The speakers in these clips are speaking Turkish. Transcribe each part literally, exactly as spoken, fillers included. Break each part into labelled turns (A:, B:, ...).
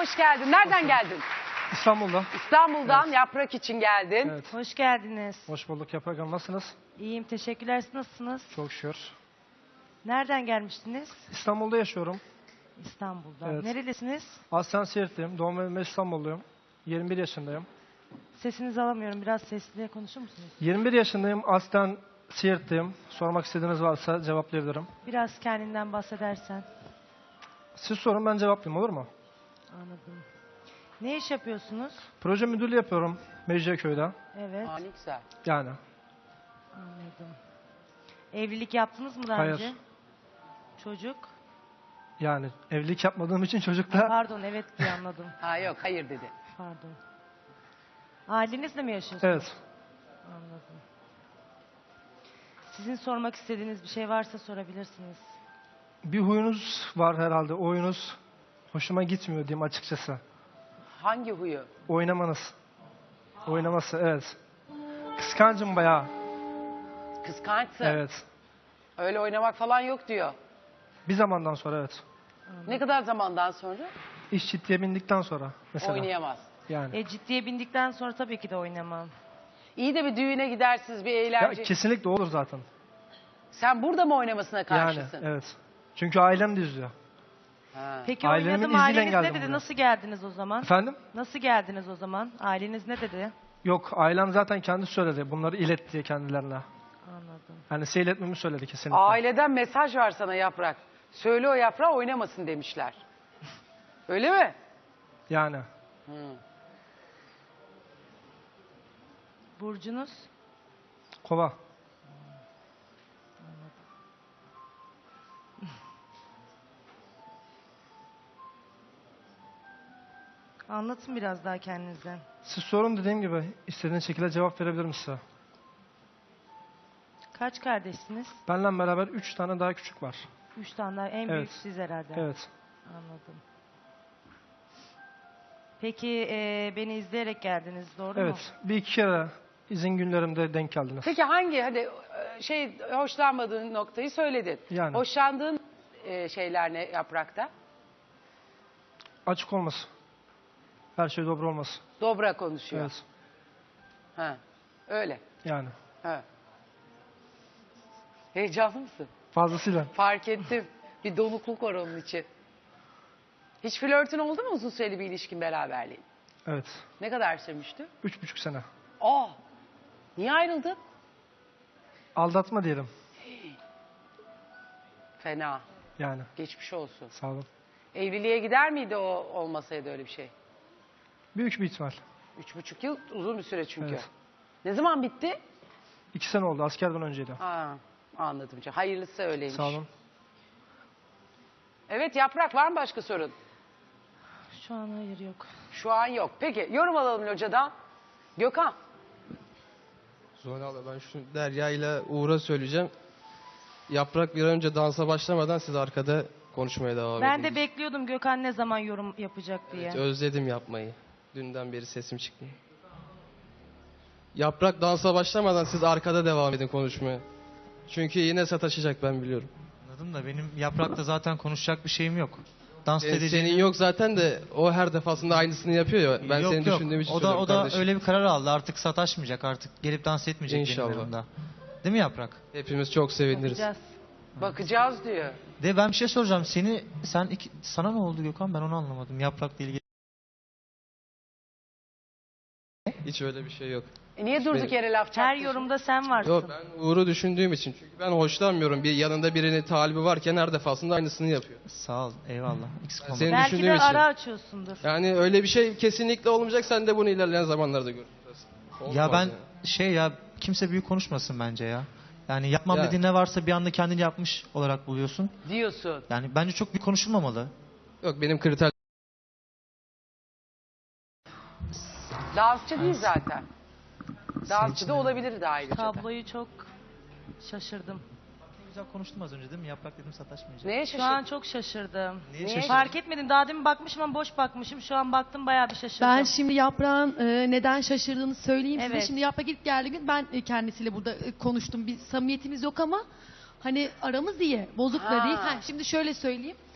A: hoş geldin. Nereden geldin?
B: İstanbul'da.
A: İstanbul'dan
B: Evet.
A: Yaprak için geldin.
B: Evet.
C: Hoş geldiniz.
B: Hoş bulduk Yaprak Hanım. Nasılsınız?
C: İyiyim, teşekkürler. Siz nasılsınız?
B: Çok şükür.
C: Nereden gelmiştiniz?
B: İstanbul'da yaşıyorum.
C: İstanbul'dan.
B: Evet.
C: Nerelisiniz?
B: Aslen Siirtliyim. Doğma büyüme İstanbulluyum. yirmi bir yaşındayım.
C: Sesinizi alamıyorum. Biraz sesli konuşur musunuz?
B: yirmi bir yaşındayım. Aslen Siirtliyim. Sormak istediğiniz varsa cevaplayabilirim.
C: Biraz kendinden bahsedersen.
B: Siz sorun, ben cevaplayayım, olur mu?
C: Anladım. Ne iş yapıyorsunuz?
B: Proje müdürlüğü yapıyorum Mecidiyeköy'de.
C: Evet,
A: Aa, ne güzel.
B: Yani.
C: anladım. Evlilik yaptınız mı daha
B: Hayır.
C: önce? Çocuk?
B: Yani evlilik yapmadığım için çocukla...
C: Pardon, evet diye anladım.
A: Ha yok, hayır dedi.
C: Pardon. Ailenizle mi yaşıyorsunuz?
B: Evet.
C: Anladım. Sizin sormak istediğiniz bir şey varsa sorabilirsiniz.
B: Bir huyunuz var herhalde. O huyunuz hoşuma gitmiyor diyeyim açıkçası.
A: Hangi huyu?
B: Oynamanız. Oynaması, evet. Kıskancım bayağı.
A: Kıskançsın.
B: Evet.
A: Öyle oynamak falan yok diyor.
B: Bir zamandan sonra evet.
A: Ne kadar zamandan sonra?
B: İş ciddiye bindikten sonra mesela.
A: Oynayamaz.
B: Yani.
C: E ciddiye bindikten sonra tabii ki de oynamam.
A: İyi de bir düğüne gidersiniz, bir
B: Ya,
A: eğlence.
B: kesinlikle olur zaten.
A: Sen burada mı oynamasına karşısın?
B: Yani evet. Çünkü ailem de izliyor.
A: Ha.
C: Peki
B: Ailemin
C: oynadım,
B: izniyle
C: aileniz ne
B: geldim
C: dedi?
B: buraya.
C: Nasıl geldiniz o zaman?
B: Efendim?
C: Nasıl geldiniz o zaman? Aileniz ne dedi?
B: Yok, ailem zaten kendi söyledi. Bunları ilet diye kendilerine.
C: Anladım.
B: Yani size iletmemi söyledi kesinlikle.
A: Aileden mesaj var sana Yaprak. Söyle o Yaprağı oynamasın demişler. Öyle mi?
B: Yani.
A: Hı.
C: Burcunuz?
B: Kova.
C: Anlatın biraz daha kendinizden.
B: Siz sorun, dediğim gibi istediğiniz şekilde cevap verebilirim size.
C: Kaç kardeşsiniz?
B: Benle beraber üç tane daha küçük var.
C: Üç tane daha. En
B: Evet.
C: büyük siz herhalde.
B: Evet.
C: Anladım. Peki e, beni izleyerek geldiniz, doğru mu?
B: Evet. Bir iki kere izin günlerimde denk geldiniz.
A: Peki hangi hadi e, şey hoşlanmadığın noktayı söyledin.
B: Yani.
A: Hoşlandığın e, şeyler ne Yaprak'ta?
B: Açık olması. Her şey dobra olması.
A: Dobra konuşuyor.
B: Evet.
A: Ha. Öyle.
B: Yani.
A: Ha. Heyecanlı mısın?
B: Fazlasıyla.
A: Fark ettim. Bir donukluk var onun için. Hiç flörtün oldu mu uzun süreli bir ilişkin, beraberliğin?
B: Evet.
A: Ne kadar sürmüştü?
B: Üç buçuk sene.
A: Aa. Niye ayrıldın?
B: Aldatma diyelim.
A: Fena.
B: Yani.
A: Geçmiş olsun.
B: Sağ olun.
A: Evliliğe gider miydi o olmasaydı öyle bir şey?
B: Büyük bir ihtimal.
A: Üç buçuk yıl uzun bir süre çünkü.
B: Evet.
A: Ne zaman bitti?
B: İki sene oldu. Askerden önceydi.
A: Ha, anladım. Hayırlısı öyleymiş.
B: Sağ olun.
A: Evet Yaprak, var mı başka sorun?
C: Şu an hayır, yok.
A: Şu an yok. Peki yorum alalım locadan. Gökhan.
D: Zuhal abla, ben şu Derya ile Uğur'a söyleyeceğim. Yaprak bir an önce dansa başlamadan siz arkada konuşmaya devam edin.
C: Ben de bekliyordum Gökhan ne zaman yorum yapacak diye.
D: Evet, özledim yapmayı. Dünden beri sesim çıkmıyor. Yaprak dansa başlamadan siz arkada devam edin konuşmaya. Çünkü yine sataşacak, ben biliyorum.
E: Anladım da benim Yaprak'ta zaten konuşacak bir şeyim yok. Dans
D: Senin,
E: edeceğim.
D: senin yok zaten de o her defasında aynısını yapıyor ya. Ben
E: yok,
D: seni
E: yok.
D: düşündüğüm için
E: O da
D: söylüyorum
E: o da
D: kardeşim.
E: öyle bir karar aldı. Artık sataşmayacak, artık gelip dans etmeyecek
D: İnşallah.
E: benim yanımda. Değil mi Yaprak?
D: Hepimiz çok seviniriz.
C: Bakacağız.
A: Bakacağız diyor.
E: De ben bir şey soracağım. Seni sen iki, sana ne oldu Gökhan? Ben onu anlamadım. Yaprak'la ilgili.
D: Hiç öyle bir şey yok.
A: E niye durduk
D: Benim-
A: yere laf
C: Her
A: çarptın?
C: yorumda sen varsın.
D: Yok, ben Uğur'u düşündüğüm için. Çünkü ben hoşlanmıyorum. Bir yanında birinin talibi varken her defasında aynısını yapıyor.
E: Sağ ol. Eyvallah. Eksik olma.
D: Senin
C: Belki de
D: düşündüğüm için.
C: ara açıyorsundur.
D: Yani öyle bir şey kesinlikle olmayacak. Sen de bunu ilerleyen zamanlarda görürsün. Olmaz
E: Ya ben
D: yani.
E: şey ya kimse büyük konuşmasın bence ya. Yani yapmam
D: Ya.
E: dediğin ne varsa bir anda kendini yapmış olarak buluyorsun.
A: Diyorsun.
E: Yani bence çok büyük konuşulmamalı.
D: Yok, benim kriter
A: Dansçı değil zaten. Dansçı
E: için
A: da
E: de-
A: olabilirdi ayrıca. da.
C: Tabloyu çok şaşırdım.
E: Ne güzel konuştum az önce değil mi? Yaprak dedim sataşmayacak.
A: Neye
C: Şu
A: şaşırdın?
C: an çok şaşırdım.
E: Niye
A: Niye?
E: şaşırdın?
C: Fark etmedim. Daha demin bakmışım ama boş bakmışım. Şu an baktım, bayağı bir şaşırdım.
F: Ben şimdi Yaprağın e, neden şaşırdığını söyleyeyim size.
C: Evet.
F: Şimdi Yaprak ilk geldiği gün ben e, kendisiyle burada e, konuştum. Bir samimiyetimiz yok ama hani aramız iyi. Bozuk
A: Ha.
F: da değil. Ha, şimdi şöyle söyleyeyim.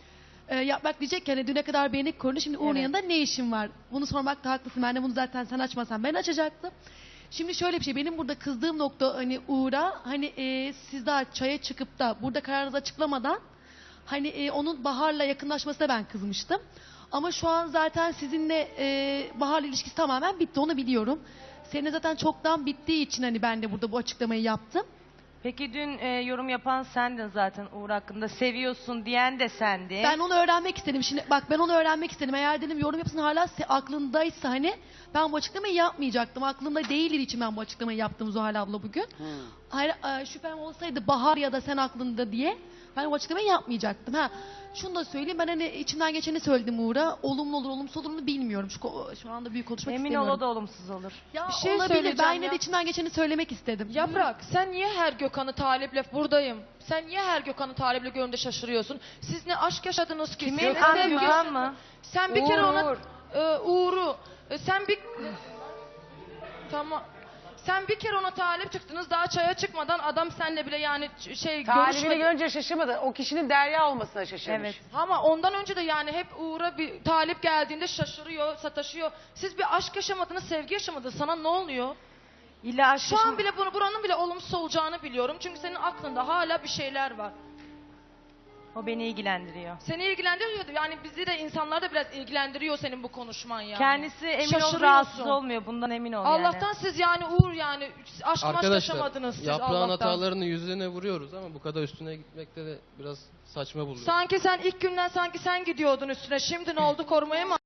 F: Ee, yaprak diyecek ki hani düne kadar beni korudu, şimdi Uğur'un
C: Evet.
F: yanında ne işin var? Bunu sormakta haklısın. Ben de bunu zaten sen açmasan ben açacaktım. Şimdi şöyle bir şey, benim burada kızdığım nokta hani Uğur'a, hani e, siz daha çaya çıkıp da burada kararınızı açıklamadan hani e, onun Bahar'la yakınlaşmasına ben kızmıştım. Ama şu an zaten sizinle e, Bahar'la ilişkisi tamamen bitti, onu biliyorum. Senin zaten çoktan bittiği için hani ben de burada bu açıklamayı yaptım.
C: Peki dün e, yorum yapan sendin zaten Uğur hakkında. Seviyorsun diyen de sendin.
F: Ben onu öğrenmek istedim. Şimdi bak, ben onu öğrenmek istedim. Eğer dedim yorum yapsın hala se- aklındaysa hani ben bu açıklamayı yapmayacaktım. Aklında değildir için ben bu açıklamayı yaptım Zuhal abla bugün. Hayır, e, şüphem olsaydı Bahar ya da sen aklında diye ben bu açıklamayı yapmayacaktım. Ha, şunu da söyleyeyim, ben hani içimden geçeni söyledim Uğur'a. Olumlu olur olumsuz olur mu bilmiyorum. Şu, ko- şu anda büyük konuşmak
C: Emin ol
F: istemiyorum.
C: o da olumsuz olur.
F: Ya
G: Bir şey
F: olabilir. Ben
G: söyleyeceğim
F: yine
G: ya.
F: de içimden geçeni söylemek istedim.
G: Yaprak, sen niye her Gökhan'ı taliple buradayım? Sen niye her Gökhan'ı taliple görünce şaşırıyorsun? Siz ne aşk yaşadınız ki?
C: Kimin?
G: Siz ne
C: Gökhan,
G: sevgi-
C: Gökhan mı?
G: Sen bir
A: Uğur,
G: kere ona
A: Uğur.
G: e, Uğur'u e, sen bir tamam. Sen bir kere ona talip çıktınız, daha çaya çıkmadan adam seninle bile yani ç- şey
A: Talibini
G: görüşme...
A: görünce şaşırmadı. O kişinin Derya olmasına şaşırmış.
C: Evet.
G: Ama ondan önce de yani hep Uğur'a bir talip geldiğinde şaşırıyor, sataşıyor. Siz bir aşk yaşamadınız, sevgi yaşamadınız. Sana ne oluyor?
C: İlla aşk
G: Şu an
C: yaşam-
G: bile bunu buranın bile olumsuz olacağını biliyorum. Çünkü senin aklında hala bir şeyler var.
C: O beni ilgilendiriyor.
G: Seni ilgilendiriyor. Yani bizi de insanlar da biraz ilgilendiriyor senin bu konuşman yani.
C: Kendisi emin ol
G: Şaşırıyorsun.
C: rahatsız olmuyor. Bundan emin ol
G: Allah'tan
C: yani.
G: siz yani Uğur yani aşk maşk
D: Arkadaşlar
G: yaşamadınız siz
D: yaprağın
G: Allah'tan.
D: hatalarını yüzlerine vuruyoruz ama bu kadar üstüne gitmekte de biraz saçma buluyorum.
G: Sanki sen ilk günden sanki sen gidiyordun üstüne. Şimdi ne oldu, korumaya mı?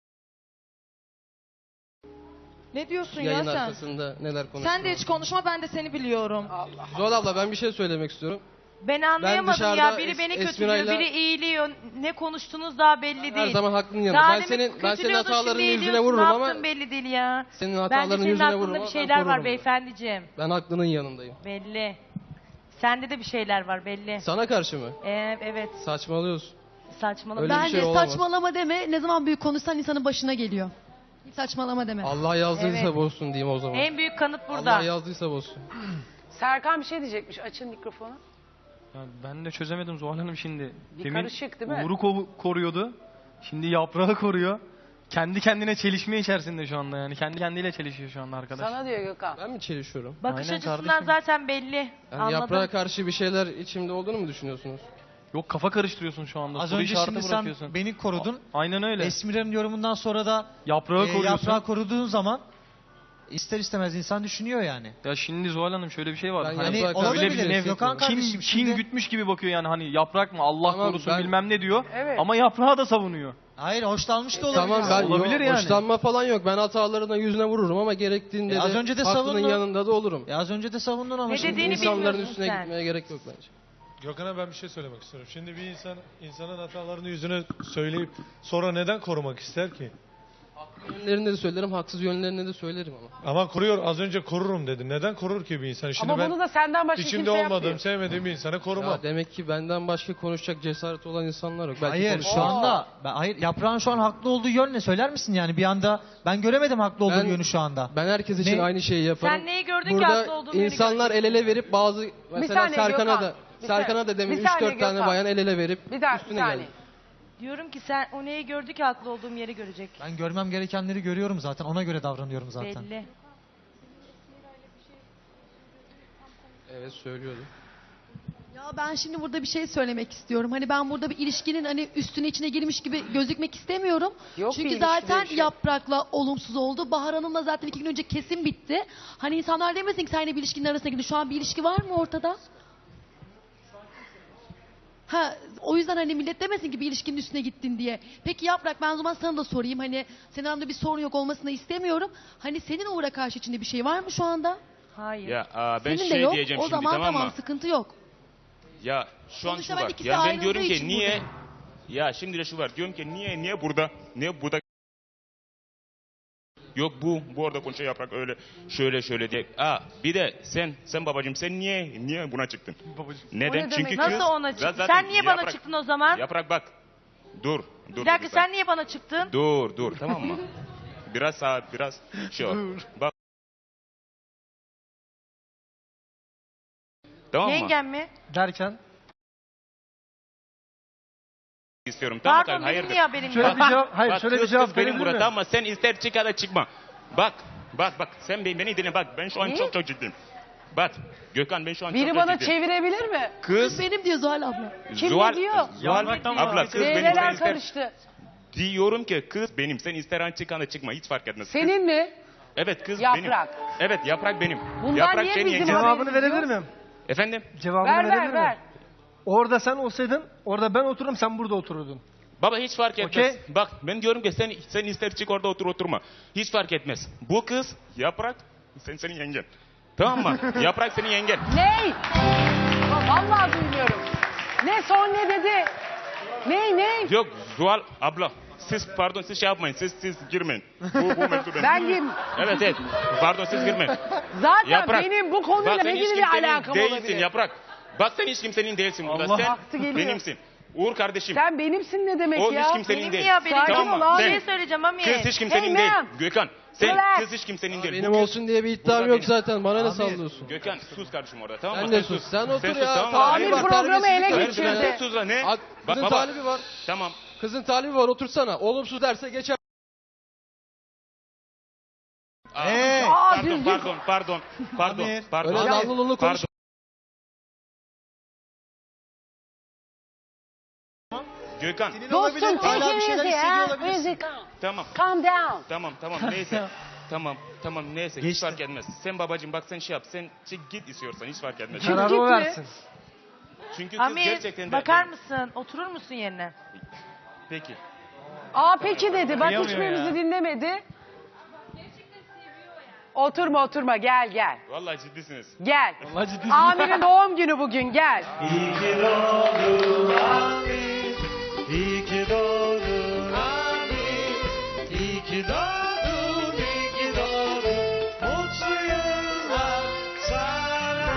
G: Ne diyorsun
D: Yayın
G: ya sen?
D: arkasında neler konuşuyoruz.
G: Sen de hiç konuşma, ben de seni biliyorum.
A: Allah.
D: Zuhal abla ben bir şey söylemek istiyorum.
C: Ben anlayamadım ya.
D: dışarıda
C: Biri
D: Es-
C: beni
D: Esmira'yla-
C: kötülüyor, biri iyiliyor. Ne konuştunuz daha belli
D: Her
C: değil.
D: zaman haklının yanında.
C: Daha
D: Ben
C: demin
D: senin ben senin
C: kötülüyordun,
D: hatalarının
C: şimdi
D: yüzüne
C: iyiliyorsun.
D: vururum
C: Ne
D: ama
C: yaptın belli değil ya.
D: senin
C: Bence
D: hatalarının
C: senin
D: yüzüne
C: aklında
D: vururum
C: bir
D: ama ben
C: şeyler var
D: korurum.
C: beyefendiciğim.
D: Ben haklının yanındayım.
C: Belli. Sende de bir şeyler var belli.
D: Sana karşı mı?
C: Ee, evet.
D: Saçmalıyorsun.
C: Saçmalama.
D: Öyle bir
F: Bence
D: şey olamaz.
F: saçmalama deme. Ne zaman büyük konuşsan insanın başına geliyor. Hiç saçmalama deme.
D: Allah yazdıysa
C: Evet.
D: bozsun diyeyim o zaman.
C: En büyük kanıt burada.
D: Allah yazdıysa bozsun.
A: Serkan bir şey diyecekmiş. Açın mikrofonu.
B: Ya ben de çözemedim Zuhal Hanım şimdi.
A: Bir karışık değil mi?
B: Uğur'u ko- koruyordu. Şimdi yaprağı koruyor. Kendi kendine çelişme içerisinde şu anda yani. Kendi kendiyle çelişiyor şu anda arkadaş.
A: Sana diyor Gökhan.
D: Ben mi çelişiyorum?
C: Bakış
B: Aynen
C: açısından
B: kardeşim.
C: zaten belli.
D: Yani
C: Anladım.
D: yaprağa karşı bir şeyler içimde olduğunu mu düşünüyorsunuz?
B: Yok, kafa karıştırıyorsun şu anda.
E: Az
B: Soru
E: önce
B: işareti
E: şimdi sen
B: bırakıyorsun.
E: beni korudun.
B: Aynen öyle.
E: Esmira'nın yorumundan sonra da
B: Yaprağı
E: e,
B: koruyorsun.
E: yaprağı koruduğun zaman ister istemez insan düşünüyor yani.
B: Ya şimdi Zuhal Hanım şöyle bir şey var.
D: Ben
B: Hani
D: yaprağa
E: Hani
D: karşı
B: öyle
D: bir
B: bir
E: olabilir.
D: şey
E: Gökhan
D: hissetmiyorum.
B: kin,
E: kardeşim
B: kin
E: şimdi...
B: gütmüş gibi bakıyor yani, hani yaprak mı Allah
D: Tamam,
B: korusun
D: ben-
B: bilmem ne diyor.
A: Evet.
B: Ama yaprağı da savunuyor.
E: Hayır, hoşlanmış da olabilir.
D: Tamam ben
B: Olabilir
D: yok,
B: yani.
D: hoşlanma falan yok. Ben hatalarına yüzüne vururum ama gerektiğinde
E: E, az
D: de
E: önce de
D: haklının
E: savundun.
D: yanında da olurum.
E: Ya az önce de savundun ama
C: Ne
E: şimdi...
C: dediğini
D: İnsanların
C: bilmiyorsun
D: üstüne
C: sen.
D: gitmeye gerek yok bence.
H: Gökhan'a ben bir şey söylemek istiyorum. Şimdi bir insan insanın hatalarını yüzüne söyleyip sonra neden korumak ister ki?
D: Yönlerini de söylerim, haksız yönlerini de söylerim ama.
H: Ama koruyor, az önce korurum dedi. Neden korur ki bir insan? Şimdi
A: Ama
H: ben
A: bunu da senden başka
H: içinde
A: kimse
H: olmadığım,
A: yapmıyor.
H: sevmediğim bir insanı korumam.
D: Ya demek ki benden başka konuşacak cesaret olan insanlar yok. Belki
E: Hayır
D: konuşurum.
E: şu anda ben, hayır yaprağın şu an haklı olduğu yön ne söyler misin yani bir anda ben göremedim haklı olduğu
D: Ben-
E: yönü şu anda.
D: Ben herkes için
E: Ne?
D: aynı şeyi yaparım.
C: Sen neyi gördün ki
D: Burada
C: haklı olduğum yönü
D: insanlar el ele verip bazı mesela
A: saniye
D: Serkan'a
A: Gökhan,
D: da
A: bir
D: Serkan'a
A: saniye,
D: da demin
A: bir
D: üç
A: saniye
D: dört tane
A: Gökhan.
D: bayan el ele verip
A: Bir daha bir
D: üstüne
A: saniye.
D: geldi.
C: Diyorum ki sen o neyi gördü ki haklı olduğum yeri görecek.
E: Ben görmem gerekenleri görüyorum zaten ona göre davranıyorum zaten.
C: Belli.
D: Evet söylüyordu.
F: Ya ben şimdi burada bir şey söylemek istiyorum. Hani ben burada bir ilişkinin hani üstüne içine girmiş gibi gözükmek istemiyorum.
A: Yok bir
F: Çünkü
A: ilişki
F: zaten
A: böyle bir şey.
F: Yaprak'la olumsuz oldu. Bahar Hanım'la zaten iki gün önce kesin bitti. Hani insanlar demesin ki seninle bir ilişkinin arasına girdin. Şu an bir ilişki var mı ortada? Ha, o yüzden hani millet demesin ki bir ilişkinin üstüne gittin diye. Peki Yaprak, ben o zaman sana da sorayım. Hani senin aramda bir sorun yok olmasını istemiyorum. Hani senin Uğur'a karşı içinde bir şey var mı şu anda?
C: Hayır.
I: Ya aa, ben
F: senin de
I: şey
F: yok.
I: diyeceğim
F: O
I: şimdi
F: zaman
I: tamam
F: tamam,
I: mı?
F: sıkıntı yok.
I: Ya şu an
F: Sonuçta
I: şu
F: ben
I: var.
F: ikisi
I: Ya ben
F: ayrıldığı
I: diyorum ki
F: için
I: niye?
F: buradayım.
I: Ya şimdi de şu var. Diyorum ki niye niye burada? Niye burada? Yok bu bu arada konuşuyor yaprak öyle şöyle şöyle diye. Aa bir de sen sen babacığım sen niye niye buna çıktın?
B: Babacığım.
I: Neden?
A: O ne
I: Çünkü
A: demek?
I: kız
C: Nasıl ona çıktın?
I: zaten
C: Sen niye bana
I: yaprak-
C: çıktın o zaman?
I: Yaprak bak. Dur. Dur.
C: Bir dakika
I: lütfen.
C: sen niye bana çıktın?
I: Dur dur tamam mı? Biraz sağ biraz şey ol. Bak. Tamam mı?
C: Yengem mi?
B: Derken
I: istiyorum. Tamam mı?
C: Pardon benim
I: Hayırdır?
C: niye haberim
J: Şöyle
C: yok?
J: bir cevap, hayır
I: Bak,
J: şöyle bir
I: kız,
J: cevap
I: kız benim
J: verebilir
I: burada
J: miyim?
I: ama sen ister çık ya da çıkma. Bak, bak, bak, sen beni, beni dinle bak. Ben şu an
A: Ne?
I: çok çok ciddiyim. Bak, Gökhan ben şu an
A: Biri
I: çok
A: bana
I: çok ciddiyim.
A: çevirebilir mi?
I: Kız,
F: Benim diyor Zuhal abla.
A: Kim
I: Zuhal,
A: ne diyor?
I: Zuhal,
B: Yapraktan
I: abla kız benim, sen
A: Neler
I: ister...
A: karıştı?
I: Diyorum ki kız benim, sen ister an çık ya da çıkma, hiç fark etmez. Kız-
A: Senin mi?
I: Evet kız
A: Yaprak.
I: benim. Evet yaprak benim.
A: Bundan
I: yaprak
A: niye
I: senin
A: bizim
I: yengen.
A: haberimiz
J: Cevabını verebilir
A: yok?
J: miyim?
I: Efendim?
J: Cevabını
A: Ver
J: verebilir
A: ver
J: miyim?
A: ver.
J: Orada sen olsaydın, orada ben otururum, sen burada otururdun.
I: Baba hiç fark etmez.
J: Okey.
I: Bak ben diyorum ki sen, sen ister çık orada otur oturma. Hiç fark etmez. Bu kız yaprak sen senin yengen. Tamam mı? Yaprak senin yengen.
A: Ney? Vallahi duymuyorum. Ne son ne dedi? Ney ney?
I: Yok Zuhal abla. Siz pardon siz şey yapmayın. Siz siz girmeyin. Bu bu mevzu benim.
A: Ben kim?
I: Evet evet. Pardon siz girmeyin.
A: Zaten
I: Yaprak.
A: benim bu konuyla
I: Bak, sen
A: ne
I: hiç
A: gibi bir
I: kimsenin
A: alakam
I: değilsin
A: olabilir?
I: Yaprak. Bak sen hiç kimsenin değilsin burada.
B: Allah.
I: Sen
A: Hakkı geliyor.
I: benimsin. Uğur kardeşim.
A: Sen benimsin ne demek
I: O
A: ya?
I: hiç kimsenin
C: Benim
I: değil.
C: niye haberim
A: Sakin
C: yok?
I: Tamam
A: ol
I: mı?
A: abi.
C: Bir
I: Sen-
C: şey söyleyeceğim ama
I: Kız hiç kimsenin
A: Hey,
I: değil.
A: ma'am.
I: Gökhan. Sen
A: Relax.
I: kız hiç kimsenin değil.
D: Benim
I: Bu kız-
D: olsun diye bir iddiam
I: Burada
D: yok
I: benim.
D: zaten. Bana ne
E: Abi,
D: sallıyorsun?
I: Gökhan sus kardeşim orada tamam
D: Sen
I: mı?
D: de sus. Sen otur
I: sus,
D: ya.
I: tamam mı?
D: Talibi
A: Amir
D: var,
A: programı
D: terbiyesizlik
A: ele
D: var.
A: geçirdi.
I: Hayır, sen sus lan ne?
D: Ak-
I: Bak
D: Kızın
I: baba.
D: talibi var.
I: Tamam.
D: Kızın talibi var. Otursana. Olumsuz derse geçer.
I: Aa,
E: Hey!
A: Aa,
I: pardon,
A: düzgün.
I: pardon, pardon, pardon,
E: Amir.
I: pardon.
D: Öyle
I: Pardon.
D: dallı konuş.
I: Gökhan.
E: Senin
A: Dostum
E: olabilir, hala
A: take
E: bir
A: it
E: şeyler
A: easy
E: hissediyor
A: ha.
E: olabilirsin.
A: Easy calm.
I: Tamam,
A: Calm down.
I: tamam, tamam neyse. Tamam, tamam neyse hiç
E: Geçti.
I: fark etmez. Sen babacığım bak sen şey yap. Sen çık git istiyorsan hiç fark etmez.
J: Kararı o
A: gitme.
J: versin.
I: Çünkü kız
C: Amir
I: gerçekten de...
C: bakar mısın? Oturur musun yerine?
I: Peki.
A: Aa peki dedi. Bak
B: Kıyamıyor
A: hiçbirimizi
B: ya.
A: dinlemedi. Oturma oturma gel gel.
I: Vallahi ciddisiniz.
A: Gel.
B: Vallahi ciddi.
A: Amir'in doğum günü bugün gel.
K: İyi ki doğdun Amir, iyi ki doğdun Amir, iyi ki doğdun, iyi ki doğdun, mutlu yıllar sana.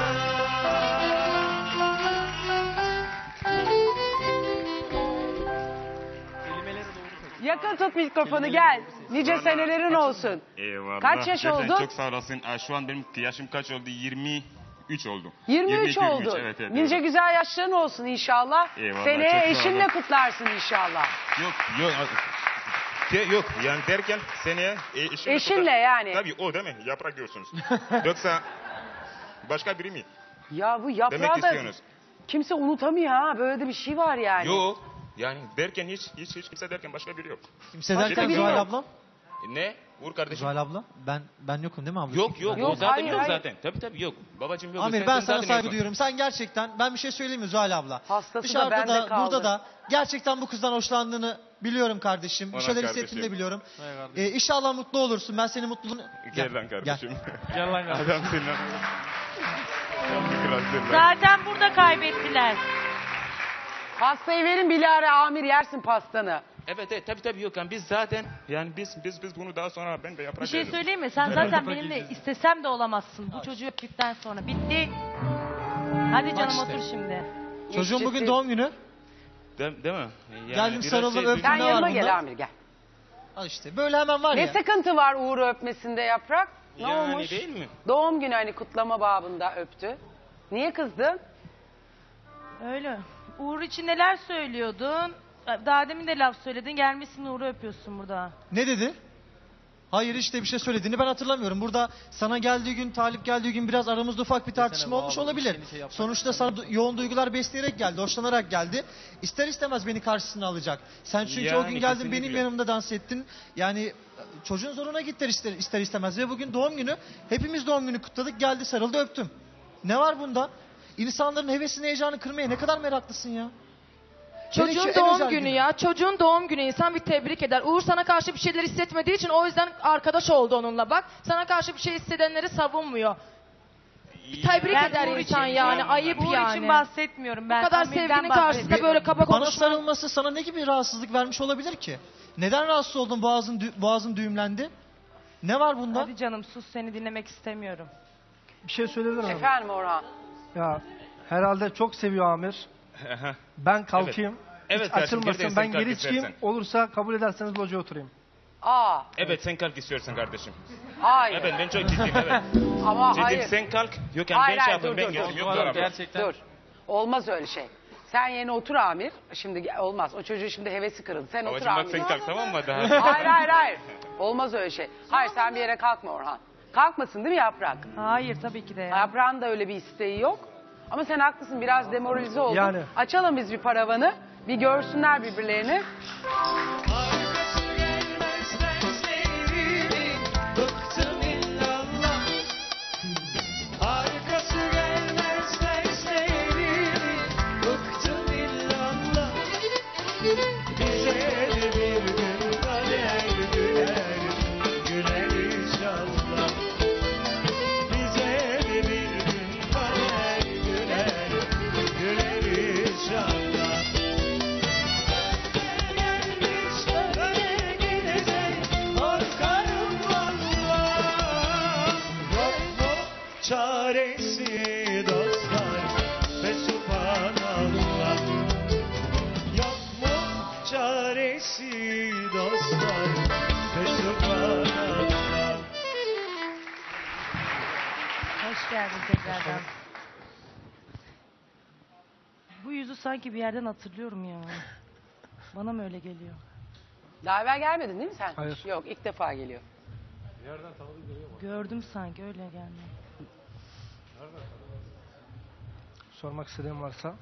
A: Yakın tut mikrofonu gel. Nice
I: Vallahi
A: senelerin
I: kaç-
A: olsun.
I: Eyvallah.
A: Kaç yaş
I: Gerçekten
A: oldun?
I: Çok sağ olasın. Aa, şu an benim yaşım kaç oldu? yirmi üç oldu.
A: yirmi üç
I: yirmi iki, yirmi üç,
A: oldu.
I: Evet, evet,
A: Nice
I: evet.
A: güzel yaşların olsun inşallah.
I: Eyvallah,
A: Seneye
I: çok sağ
A: eşinle
I: olun.
A: kutlarsın inşallah.
I: Yok, yok. Ke- Yok yani derken seneye e, eşimle,
A: Eşinle yani.
I: Tabii o değil mi? Yaprak diyorsunuz. Yoksa başka biri mi?
A: Ya bu
I: Demek
A: yaprağı da
I: istiyorsunuz.
A: kimse unutamıyor ha. Böyle de bir şey var yani.
I: Yok. Yani derken hiç hiç hiç kimse derken başka biri yok.
E: Kimse
A: Başka
E: derken
A: biri
E: Zuhal
A: yok.
E: ablam.
I: E, Ne? Uğur kardeşim.
E: Zuhal abla. Ben ben yokum değil mi abla?
I: Yok yok,
A: Yok,
I: o zaten
A: hayır,
I: yok
A: hayır.
I: zaten. Tabii tabii yok. Babacığım yok.
E: Amir
I: Sen-
E: ben
I: sen
E: sana
I: zaten
E: saygı
I: yoksun.
E: duyuyorum. Sen gerçekten ben bir şey söyleyeyim mi Zuhal abla?
A: Hastası da
E: Dışarıda
A: bende
E: da
A: kaldı.
E: burada da gerçekten bu kızdan hoşlandığını biliyorum kardeşim. Bir
I: Ona
E: şeyler
I: kardeşim.
E: hissettiğini de biliyorum.
B: Hay kardeşim.
E: Ee, inşallah mutlu olursun. Ben senin mutluluğunu...
I: Gel lan kardeşim.
B: Gel lan kardeşim.
I: Adamsın lan. Sen bir kralsın lan.
C: Zaten burada kaybettiler.
A: Pastayı verin Bilal'e Amir yersin pastanı.
I: Evet evet tabii tabii yok yani biz zaten yani biz biz biz bunu daha sonra ben de yaprak
C: Bir şey
I: veririz.
C: söyleyeyim mi? Sen zaten benimle istesem de olamazsın. Bu çocuğu öptükten sonra. Bitti. Hadi canım
E: işte.
C: otur şimdi.
E: Çocuğun bugün
A: Ciddi.
E: doğum günü.
I: De- değil mi? Yani
E: Geldim,
I: biraz
E: sarıldım,
I: şey-
E: öptüm.
A: Sen
E: Ne var
A: yanıma
E: bunda?
A: gel Amir gel.
E: Al işte böyle hemen var
A: Ne
E: ya.
A: sıkıntı var Uğur'u öpmesinde yaprak? Ne
I: Yani
A: olmuş?
I: değil mi?
A: Doğum günü hani kutlama babında öptü. Niye kızdın?
C: Öyle. Uğur için neler söylüyordun? Daha demin de laf söyledin. Gelmişsin Uğur'u öpüyorsun burada.
E: Ne dedi? Hayır işte bir şey söylediğini ben hatırlamıyorum. Burada sana geldiği gün, Talip geldiği gün biraz aramızda ufak bir tartışma
B: bu
E: olmuş
B: abi,
E: olabilir.
B: işini şey yapmak
E: Sonuçta sana du- yoğun duygular besleyerek geldi, hoşlanarak geldi. İster istemez beni karşısına alacak. Sen çünkü o
I: Yani
E: gün geldin benim
I: kesinlikle.
E: yanımda dans ettin. Yani çocuğun zoruna gitti ister, ister istemez. Ve bugün doğum günü, hepimiz doğum günü kutladık. Geldi sarıldı öptüm. Ne var bunda? İnsanların hevesini, heyecanını kırmaya ne kadar meraklısın ya. Hele şu
G: Çocuğun
E: en
G: doğum
E: özel
G: günü
E: günü.
G: ya. Çocuğun doğum günü insan bir tebrik eder. Uğur sana karşı bir şeyler hissetmediği için o yüzden arkadaş oldu onunla bak. Sana karşı bir şey hissedenleri savunmuyor. Bir tebrik
C: Ben
G: eder
C: Uğur
G: insan
C: için-
G: yani. Ayıp
C: Uğur
G: yani.
C: için bahsetmiyorum ben.
G: Bu kadar
C: Amir'den
G: sevginin
C: bahsediyorum.
G: karşısında böyle kaba
E: Bana
G: konuşma.
E: sarılması sana ne gibi rahatsızlık vermiş olabilir ki? Neden rahatsız oldun, boğazın, dü- boğazın düğümlendi? Ne var bunda?
C: Hadi canım sus, seni dinlemek istemiyorum.
J: Bir şey söyleyebilir miyim?
A: Efendim Orhan.
J: Ya herhalde çok seviyor Amir. Ben kalkayım.
I: Evet
J: Hiç
I: kardeşim,
J: açılmasın.
I: geriden
J: Ben
I: sen kalk
J: geri çıkayım.
I: istersen.
J: Olursa kabul ederseniz locaya oturayım.
A: Aa
I: Evet sen kalk istiyorsan kardeşim.
A: hayır.
I: Evet ben çok ciddiyim evet.
A: Ama
I: Ciddiyim
A: hayır.
I: sen kalk. Yok yani
A: hayır
I: ben şey
A: hayır dur
I: yapayım ben
A: dur
I: geleyim.
A: dur.
I: Yok
B: Vallahi
I: Zuhal abla.
B: gerçekten.
A: Dur. Olmaz öyle şey. Sen yerine otur Amir. Şimdi ge- olmaz. O çocuğun şimdi hevesi kırıldı. Sen otur
I: Babacım bak
A: Amir.
I: sen kalk tamam mı daha?
A: Hayır hayır hayır. Olmaz öyle şey. Hayır sen bir yere kalkma Orhan. Kalkmasın değil mi Yaprak?
C: Hayır tabii ki de ya.
A: Yaprağın da öyle bir isteği yok. Ama sen haklısın biraz demoralize oldun.
J: Yani.
A: Açalım biz bir paravanı. Bir görsünler birbirlerini.
K: Arkası gelmez derslerini bıktım illallah. Arkası gelmez derslerini bıktım illallah. Bize de bir gün kader güler, güler inşallah. Bize de bir gün kader güler, güler inşallah. Öyle gidecek korkarım valla. Yok mu çaresi dostlar ve subhanallah. Yok mu çaresi dostlar ve subhanallah.
C: Hoş geldin tekrardan. Bu yüzü sanki bir yerden hatırlıyorum ya. Bana mı öyle geliyor?
A: Daha evvel gelmedin değil mi sen?
J: Hayır.
A: Yok ilk defa geliyor.
C: Gördüm sanki öyle geldi.
J: Sormak istediğim varsa.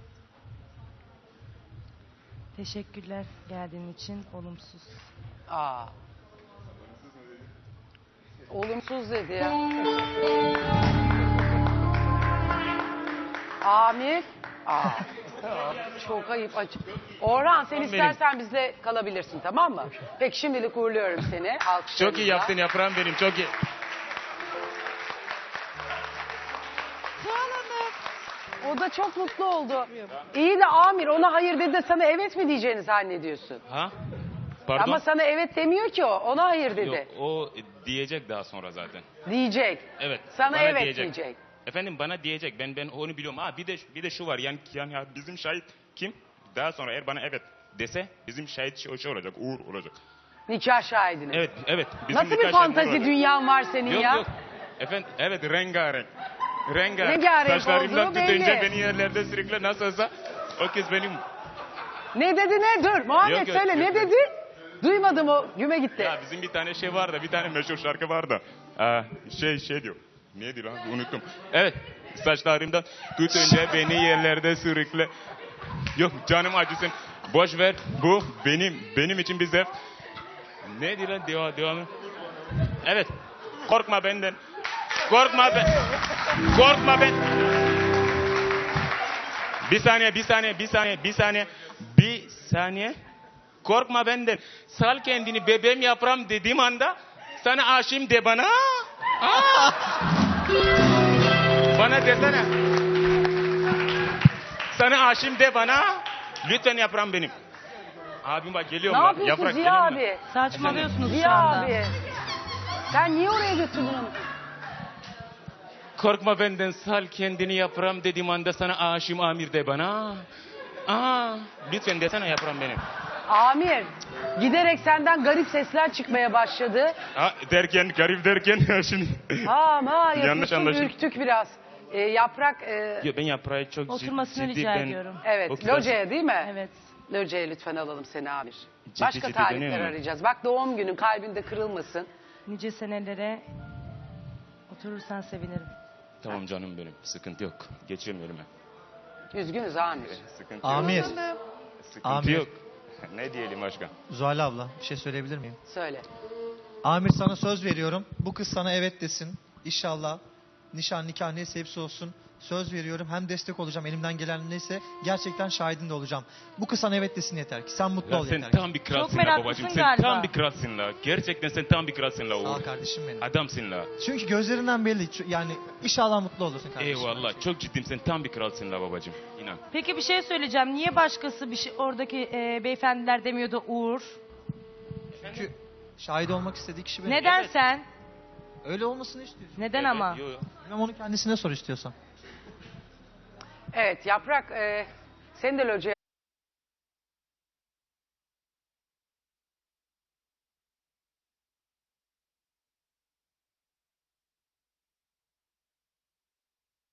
C: Teşekkürler geldiğin için olumsuz.
A: Aa. Olumsuz dedi ya. Amir. Aa. Çok ayıp acı. Orhan sen istersen bizle kalabilirsin tamam mı? Peki şimdilik uğurluyorum seni. Alkışlarınızla.
I: Çok iyi yaptın yaprağım benim çok iyi.
A: O da çok mutlu oldu. İyi de Amir ona hayır dedi de sana evet mi diyeceğini zannediyorsun?
I: Ha? Pardon?
A: Ama sana evet demiyor ki o. Ona hayır dedi.
I: Yok o diyecek daha sonra zaten.
A: Diyecek.
I: Evet.
A: Sana
I: bana
A: evet
I: diyecek.
A: diyecek.
I: Efendim bana diyecek. Ben ben onu biliyorum. Ha bir de bir de şu var. Yani yani ya bizim şahit kim? Daha sonra eğer bana evet dese bizim şahit şey, şey olacak. Uğur olacak.
A: Nikah şahidiniz.
I: Evet evet. Bizim
A: Nasıl bir
I: nikah şahidi
A: fantazi
I: olacak.
A: dünyan var senin
I: Yok
A: ya?
I: yok. Efendim evet rengarenk. Rengarenk.
A: Rengarenk
I: Saçlarımdan
A: olduğu
I: tutunca
A: belli.
I: beni yerlerde sürükle nasılsa o kız benim.
A: Ne dedi ne? Dur Muhammed
I: Yok, yok,
A: söyle
I: yok,
A: ne
I: yok.
A: dedi? Duymadım o güme gitti.
I: Ya bizim bir tane şey var da bir tane meşhur şarkı var da. Aa, şey şey diyor. Neydi lan unuttum. Evet saçlarımdan tutunca beni yerlerde sürükle. Yok canım acısın. Boş ver bu benim benim için bir zevk. Neydi lan devam devamı? Evet korkma benden. Korkma ben. Korkma ben. Bir saniye bir saniye bir saniye bir saniye. Bir saniye. Korkma benden. Sal kendini bebeğim yaprağım dediğim anda sana aşığım de bana. Aa! Bana desene. Sana aşığım de bana. Lütfen yaprağım benim. Abim bak geliyorum
A: Ne
I: lan.
A: yapıyorsun
I: Yaprak
A: Ziya
I: geliyorum lan.
A: abi?
C: Saçmalıyorsunuz şu
A: Ziya
C: anda.
A: abi. Sen niye oraya götürdün onu?
I: Korkma benden sal kendini yaprağım dediğim anda sana aşığım Amir de bana. Aa, lütfen desene yaprağım benim.
A: Amir giderek senden garip sesler çıkmaya başladı.
I: Ha, derken garip derken şimdi.
A: Ha ma
I: Yanlış
A: yapıyorsun
I: anlaşıldı.
A: ürktük biraz. Ee, yaprak e,
I: Yo, ben yaprağı çok cid-
C: Oturmasını
I: ciddi
C: rica
I: ben-
C: ediyorum.
A: evet
I: O kızar-
A: locaya değil mi?
C: Evet.
A: Locaya lütfen alalım seni Amir.
I: Ciddi
A: Başka
I: ciddi
A: talipler
I: dönüyor mu?
A: arayacağız. Bak doğum günün kalbinde kırılmasın.
C: Nice senelere oturursan sevinirim.
I: Tamam canım benim sıkıntı yok. Geçiyorum önüme.
A: Üzgünüz Amir.
I: Sıkıntı yok.
E: Amir,
I: Sıkıntı
E: Amir.
I: yok. Ne diyelim başka?
E: Zuhal abla bir şey söyleyebilir miyim?
A: Söyle.
E: Amir sana söz veriyorum. Bu kız sana evet desin. İnşallah nişan nikah neyse hepsi olsun. Söz veriyorum. Hem destek olacağım elimden gelen neyse. Gerçekten şahidin de olacağım. Bu kız sana evet desin yeter ki. Sen mutlu
I: Ya
E: ol
I: sen
E: yeter ki.
I: tam bir kralsın
C: Çok
I: la
C: meraklısın
I: babacığım. Sen
C: galiba.
I: tam bir kralsın la. Gerçekten sen tam bir kralsın la
E: Sağ ol
I: Uğur.
E: kardeşim benim.
I: Adamsın la.
E: Çünkü gözlerinden belli. Ç- Yani inşallah mutlu olursun kardeşim.
I: Eyvallah. Çok ciddiyim. Sen tam bir kralsın la babacığım. İnan.
C: Peki bir şey söyleyeceğim. Niye başkası bir şey oradaki e, beyefendiler demiyordu Uğur?
E: Çünkü şahit olmak istediği kişi benim.
C: Neden
I: Evet.
C: sen?
E: Öyle olmasını istiyorsun.
C: Neden ama?
I: Yo, yo.
E: Bilmem onu kendisine sor istiyorsan.
A: Evet Yaprak e, seni de locaya